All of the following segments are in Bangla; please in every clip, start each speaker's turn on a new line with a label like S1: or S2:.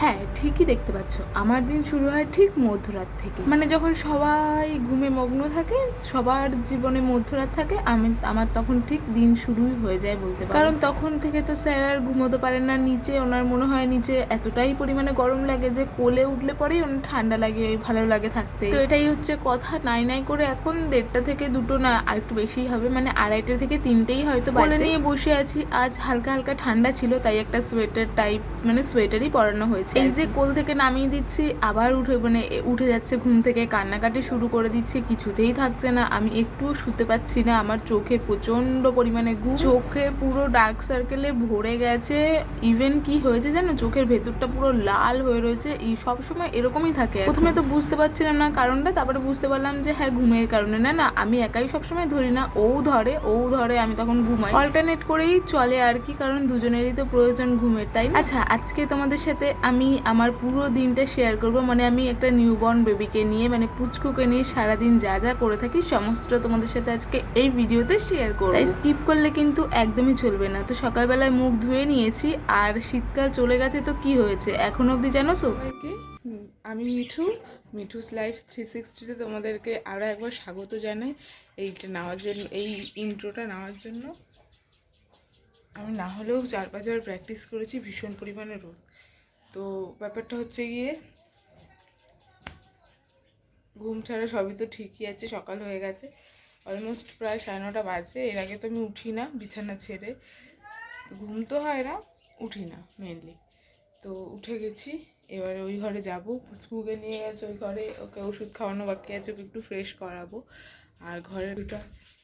S1: হ্যাঁ, ঠিকই দেখতে পাচ্ছ, আমার দিন শুরু হয় ঠিক মধ্যরাত থেকে। মানে যখন সবাই ঘুমে মগ্ন থাকে, সবার জীবনে মধ্যরাত থাকে, আমার তখন ঠিক দিন শুরুই হয়ে যায় বলতে পারো। কারণ তখন থেকে তো স্যার আর ঘুমোতে পারেন না নিচে। ওনার মনে হয় নিচে এতটাই পরিমাণে গরম লাগে যে কোলে উঠলে পরেই ওনার ঠান্ডা লাগে, ভালো লাগে থাকতে। তো এটাই হচ্ছে কথা। নাই নাই করে এখন 1:30 থেকে 2 না, আর একটু বেশি হবে, মানে 2:30 থেকে 3টেই হয়তো কোলে নিয়ে বসে আছি। আজ হালকা হালকা ঠান্ডা ছিল, তাই একটা সোয়েটার টাইপ, মানে সোয়েটারই পরানো হয়েছে। এই যে কোল থেকে নামিয়ে দিচ্ছি, আবার উঠে যাচ্ছে ঘুম থেকে, কান্নাকাটি শুরু করে দিচ্ছে, কিছুতেই থাকছে না। আমি একটুও শুতে পাচ্ছি না, আমার চোখে প্রচন্ড পরিমাণে ঘুম, চোখে পুরো ডার্ক সার্কেলে ভরে গেছে। ইভেন কি হয়েছে জানো, চোখের ভেতরটা পুরো লাল হয়ে রয়েছে। এই সবসময় এরকমই থাকে। প্রথমে তো বুঝতে পারছিলাম না কারণটা, তারপরে বুঝতে পারলাম যে হ্যাঁ, ঘুমের কারণে। না না, আমি একাই সবসময় ধরি না, ও ধরে আমি তখন ঘুমাই। অল্টারনেট করেই চলে আর কি, কারণ দুজনেরই তো প্রয়োজন ঘুমের, তাই না? আচ্ছা, আজকে তোমাদের সাথে আমি আমার পুরো দিনটা শেয়ার করব। মানে আমি একটা নিউবর্ন বেবিকে নিয়ে, মানে পুচকুকে নিয়ে সারাদিন যা যা করে থাকি সমস্ত তোমাদের সাথে আজকে এই ভিডিওতে শেয়ার করব। তাই স্কিপ করলে কিন্তু একদমই চলবে না। তো সকালবেলায় মুখ ধুয়ে নিয়েছি, আর শীতকাল চলে গেছে, তো কি হয়েছে এখন অবধি জানো তো? আমি মিঠুস লাইফ 360-তে তোমাদেরকে আরও একবার স্বাগত জানাই এইটা নেওয়ার জন্য, এই ইন্ট্রোটা নেওয়ার জন্য। আমি না হলেও 4-5 বার প্র্যাকটিস করেছি, ভীষণ পরিমাণে রোদ। তো ব্যাপারটা হচ্ছে গিয়ে, ঘুম ছাড়া সবই তো ঠিকই আছে, সকাল হয়ে গেছে, অলমোস্ট প্রায় 9:30 বাজে। এর আগে তো আমি উঠি না বিছানা ছেড়ে, ঘুম তো হয় না, উঠি না মেনলি। তো উঠে গেছি, এবারে ওই ঘরে যাব, পুচকুকে নিয়ে গেছে ওই ঘরে, ওকে ওষুধ খাওয়ানো বাকি আছে, ওকে একটু ফ্রেশ করাবো। আর ঘরের দুটো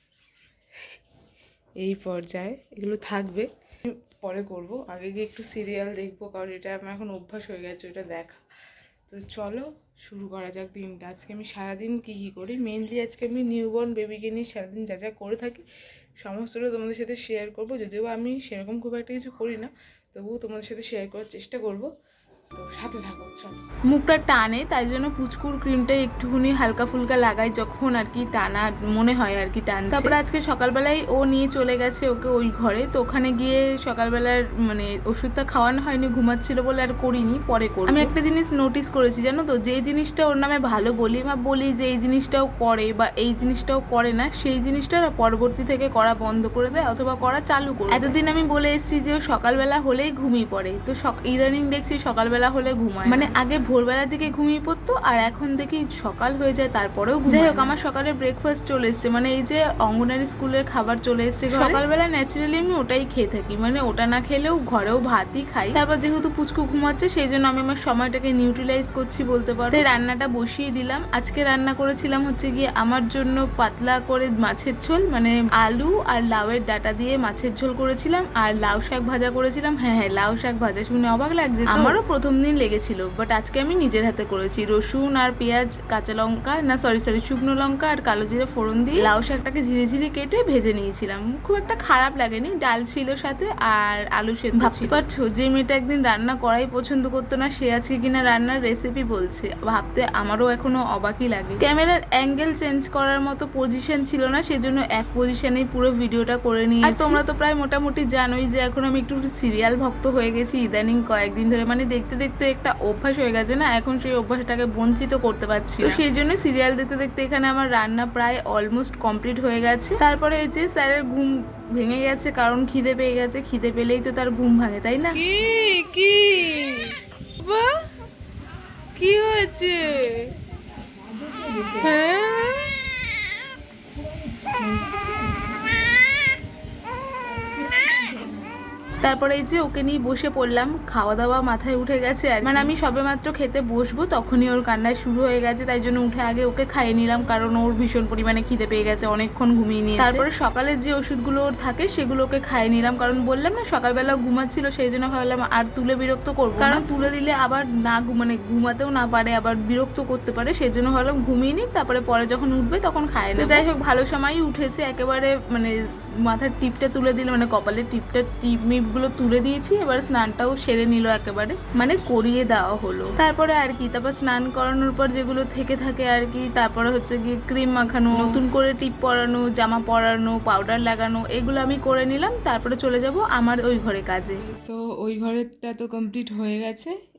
S1: এই পর্যায়ে এগুলো থাকবে, পরে করব। আগে গিয়ে একটু সিরিয়াল দেখবো, কারণ এটা আমার এখন অভ্যাস হয়ে গেছে ওটা দেখা। তো চলো শুরু করা যাক দিনটা। আজকে আমি সারাদিন কী করি, মেনলি আজকে আমি নিউবর্ন বেবিকে নিয়ে সারাদিন যা যা করে থাকি সমস্তটা তোমাদের সাথে শেয়ার করব। যদিও আমি সেরকম খুব একটা কিছু করি না, তবুও তোমাদের সাথে শেয়ার করার চেষ্টা করব। তো সাথে থাকো, চলো। মুখটা টানে, তাই জন্য পুচকুর ক্রিমটা একটুখানি হালকা ফুলকা লাগাই যখন আর কি টানা মনে হয় আর কি টানছে। তারপরে আজকে সকালবেলায় ও নিয়ে চলে গেছে ওকে ওই ঘরে। তো ওখানে গিয়ে সকালবেলার মানে ওষুধটা খাওয়ানো হয়নি, ঘুমাচ্ছিল বলে আর করিনি, পরে করব। আমি একটা জিনিস নোটিস করেছি জানো তো, যে জিনিসটা ওর নামে ভালো বলি বা বলি যে এই জিনিসটাও করে বা এই জিনিসটাও করে না, সেই জিনিসটা পরবর্তী থেকে করা বন্ধ করে দেয় অথবা করা চালু করে। এতদিন আমি বলে এসেছি যে ও সকালবেলা হলেই ঘুমিয়ে পড়ে, তো ইদানিং দেখছি সকালবেলা হলে ঘুমায়। মানে আগে ভোরবেলার দিকে ঘুমিয়ে পড়তো, আর এখন দেখি সকাল হয়ে যায় তারপরেও ঘুমায়। যাই হোক, আমার সকালে ব্রেকফাস্ট চলে এসছে, মানে এই যে অঙ্গনারী স্কুলের খাবার চলে এসছে। সকালবেলা ন্যাচারালি আমি ওটাই খেয়ে থাকি, মানে ওটা না খেলেও ঘরেও ভাতই খাই। তারপর যেহেতু পুচকু ঘুমাচ্ছে, সেই জন্য আমি আমার সময়টাকে নিউট্রিলাইজ করছি বলতে পারো। তাই রান্নাটা বসিয়ে দিলাম। আজকে রান্না করেছিলাম হচ্ছে গিয়ে আমার জন্য পাতলা করে মাছের ঝোল, মানে আলু আর লাউয়ের ডাটা দিয়ে মাছের ঝোল করেছিলাম, আর লাউ শাক ভাজা করেছিলাম। হ্যাঁ, লাউ শাক ভাজা শুনে অবাক লাগছে, আমারও প্রথম দিন লেগেছিল, বাট আজকে আমি নিজের হাতে করেছি। রসুন আর পেঁয়াজ, কাঁচা লঙ্কা না সরি শুকনো লঙ্কা আর কালো জিরে ফোড়ন দিয়ে লাউ শাকটাকে ঝিরে ঝিরে কেটে ভেজে নিয়েছিলাম। খুব একটা খারাপ লাগেনি। ডাল ছিল সাথে, আর আলু সেদ্ধ। ভাবতে পারছো যে মেয়েটা একদিন রান্না করাই পছন্দ করতো না, সে আজকে কিনা রান্নার রেসিপি বলছে। ভাবতে আমারও এখনো অবাকই লাগে। ক্যামেরার অ্যাঙ্গেল চেঞ্জ করার মতো পজিশন ছিল না, সেজন্য এক পজিশনেই পুরো ভিডিওটা করে নিয়েছি। আর তোমরা তো প্রায় মোটামুটি জানোই যে এখন আমি একটু সিরিয়াল ভক্ত হয়ে গেছি ইদানিং কয়েকদিন ধরে। মানে দেখতে দেখতে একটা অভ্যাস হয়ে গেছে না, এখন সেই অভ্যাসটাকে বঞ্চিত করতে পারছি। তো সেই জন্য সিরিয়াল দেখতে দেখতে এখানে আমার রান্না প্রায় অলমোস্ট কমপ্লিট হয়ে গেছে। তারপরে এই যে স্যারের ঘুম ভেঙে গেছে, কারণ খিদে পেয়ে গেছে। খিদে পেলেই তো তার ঘুম ভাঙে, তাই না? কি কি হয়েছে? হ্যাঁ, তারপরে এই যে ওকে নিয়ে বসে পড়লাম, খাওয়া দাওয়া মাথায় উঠে গেছে। আর মানে আমি সবে মাত্র খেতে বসবো তখনই ওর কান্নায় শুরু হয়ে গেছে, তাই জন্য উঠে আগে ওকে খাইয়ে নিলাম, কারণ ওর ভীষণ পরিমাণে খিদে পেয়ে গেছে, অনেকক্ষণ ঘুমিয়ে নিয়েছে। তারপরে সকালের যে ওষুধগুলো ওর থাকে সেগুলোকে খাইয়ে নিলাম, কারণ বললাম না সকালবেলা ঘুমাচ্ছিল, সেই জন্য ভাবলাম আর তুলে বিরক্ত করবো, কারণ তুলে দিলে আবার না মানে ঘুমাতেও না পারে, আবার বিরক্ত করতে পারে। সেই জন্য ভাবলাম ঘুমিয়ে নিই, তারপরে পরে যখন উঠবে তখন খাইয়ে নেব। যাই হোক, ভালো সময়ই উঠেছে একেবারে। মানে মাথার টিপটা তুলে দিল, মানে কপালের টিপগুলো তুলে দিয়েছি। এবার স্নানটাও সেরে নিল একেবারে, মানে করিয়ে দেওয়া হলো। তারপরে আর কি, তারপর স্নান করানোর পর যেগুলো থেকে থাকে আর কি, তারপরে হচ্ছে গিয়ে ক্রিম মাখানো, নতুন করে টিপ পরানো, জামা পরানো, পাউডার লাগানো, এগুলো আমি করে নিলাম। তারপরে চলে যাব আমার ওই ঘরে কাজে। সো ওই ঘরেরটা তো কমপ্লিট হয়ে গেছে,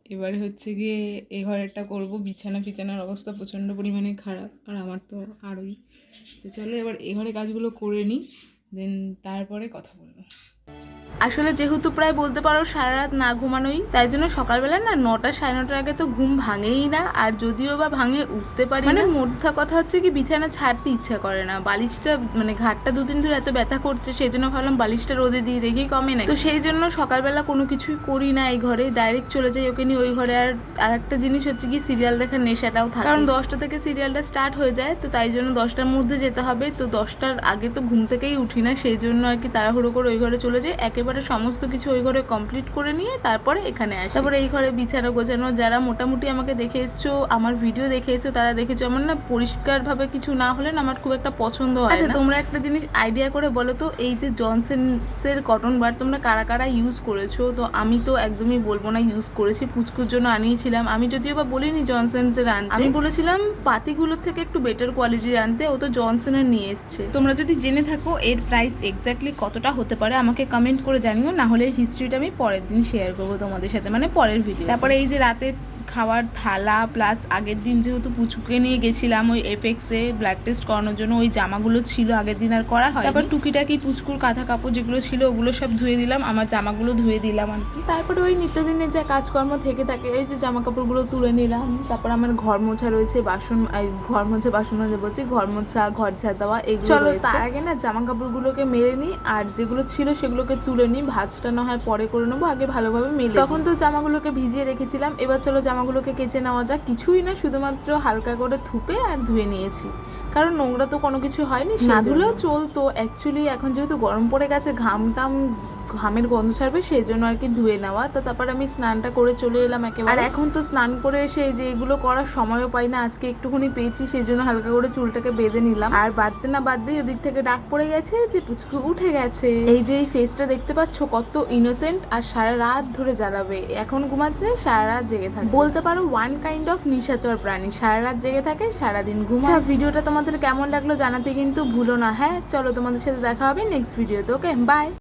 S1: এবারে হচ্ছে গিয়ে এ ঘরেরটা করবো। বিছানার অবস্থা প্রচণ্ড পরিমাণে খারাপ, আর আমার তো আরোই। তো চলো এবার এ ঘরে কাজগুলো করে নিই, দেন তারপরে কথা বলবো। আসলে যেহেতু প্রায় বলতে পারো সারা রাত না ঘুমানোই, তাই জন্য সকালবেলা না 9টা 9:30টার আগে তো ঘুম ভাঙেই না, আর যদিও বা ভাঙে উঠতে পারি মানে মোটা কথা হচ্ছে কি বিছানা ছাড়তে ইচ্ছা করে না। বালিশটা মানে ঘাটটা 2 দিন ধরে এত ব্যথা করছে, সেই জন্য ভাবলাম বালিশটা রোদে দিয়ে রেখেই কমে না। তো সেই জন্য সকালবেলা কোনো কিছুই করি না, এই ঘরে ডাইরেক্ট চলে যাই ওকে নিয়ে ওই ঘরে। আর একটা জিনিস হচ্ছে কি সিরিয়াল দেখার নেশাটাও থাকে, কারণ 10টা থেকে সিরিয়ালটা স্টার্ট হয়ে যায়, তো তাই জন্য 10টার মধ্যে যেতে হবে। তো 10টার আগে তো ঘুম থেকেই উঠি না, সেই জন্য আর কি তাড়াহুড়ো করে ওই ঘরে চলে যাই। একেবারে সমস্ত কিছু ওই ঘরে কমপ্লিট করে নিয়ে তারপরে এখানে আসি। তারপরে এই ঘরে বিছানা গোছানো, যারা মোটামুটি আমাকে দেখে এসছো, আমার ভিডিও দেখে এসছো, তারা দেখেছো আমার না পরিষ্কারভাবে কিছু না হলে না আমার খুব একটা পছন্দ হয় না। আচ্ছা তোমরা একটা জিনিস আইডিয়া করে বলো তো, এই যে জনসনসের কটন বার তোমরা কারা কারা ইউজ করেছো? তো আমি তো একদমই বলবো না ইউজ করেছি, পুচকুর জন্য আনিয়েছিলাম। আমি যদিও বা বলিনি জনসনসের আনতে, আমি বলেছিলাম পাতিগুলোর থেকে একটু বেটার কোয়ালিটির আনতে। ও তো জনসনের নিয়ে এসছে। তোমরা যদি জেনে থাকো এর প্রাইস এক্স্যাক্টলি কতটা হতে পারে আমাকে কমেন্ট করে জানিও, না হলে হিস্ট্রিটা আমি পরের দিন শেয়ার করবো তোমাদের সাথে, মানে পরের ভিডিও। তারপরে এই যে রাতে খাওয়ার থালা, প্লাস আগের দিন যেহেতু পুচুকে নিয়ে গেছিলাম ওই এফেক্সে ব্লাড টেস্ট করানোর জন্য, ওই জামাগুলো ছিল আগের দিন আর করা হয়। তারপর টুকিটাকি পুচকুর কাঁথা কাপড় যেগুলো ছিল ওগুলো সব ধুয়ে দিলাম, আমার জামাগুলো ধুয়ে দিলাম আর কি। তারপরে ওই নিত্যদিনের যা কাজকর্ম থেকে থাকে, এই যে জামা কাপড়গুলো তুলে নিলাম। তারপর আমার ঘর মোছা রয়েছে, ঘর মাজে বলছি, ঘর মোছা, ঘর ঝাড় দেওয়া এগুলো। চলো তার আগে না জামা কাপড়গুলোকে মেলে নিই, আর যেগুলো ছিল সেগুলোকে তুলে নিই। ভাঁজটা না হয় পরে করে নেবো, আগে ভালোভাবে মেলে। তখন তো জামাগুলোকে ভিজিয়ে রেখেছিলাম, এবার চলো জামাগুলোকে কেচে নেওয়া যাক। কিছুই না, শুধুমাত্র হালকা করে থুপে আর ধুয়ে নিয়েছি, কারণ নোংরা তো কোনো কিছু হয়নি, না ধুলেও চলতো। অ্যাকচুয়ালি এখন যেহেতু গরম পড়ে গেছে, ঘামের গন্ধ ছাড়বে, সেই জন্য আর কি ধুয়ে নেওয়া। তো তারপর আমি স্নানটা করে চলে এলাম একেবারে। আর এখন তো স্নান করে এসে যে এগুলো করার সময়ও পাই না, আজকে একটুখানি পেয়েছি, সেই জন্য হালকা করে চুলটাকে বেঁধে নিলাম। আর বাদতেই ওদিক থেকে ডাক পড়ে গেছে যে পুচকু উঠে গেছে। এই যে এই ফেসটা দেখতে পাচ্ছ কত ইনোসেন্ট, আর সারা রাত ধরে জ্বালাবে। এখন ঘুমাচ্ছে, সারা রাত জেগে থাকে, বলতে পারো ওয়ান কাইন্ড অফ নিশাচর প্রাণী। সারা রাত জেগে থাকে, সারাদিন ঘুমায়। ভিডিওটা তোমাদের কেমন লাগলো জানাতে কিন্তু ভুলো না। হ্যাঁ চলো, তোমাদের সাথে দেখা হবে নেক্সট ভিডিওতে। Okay by.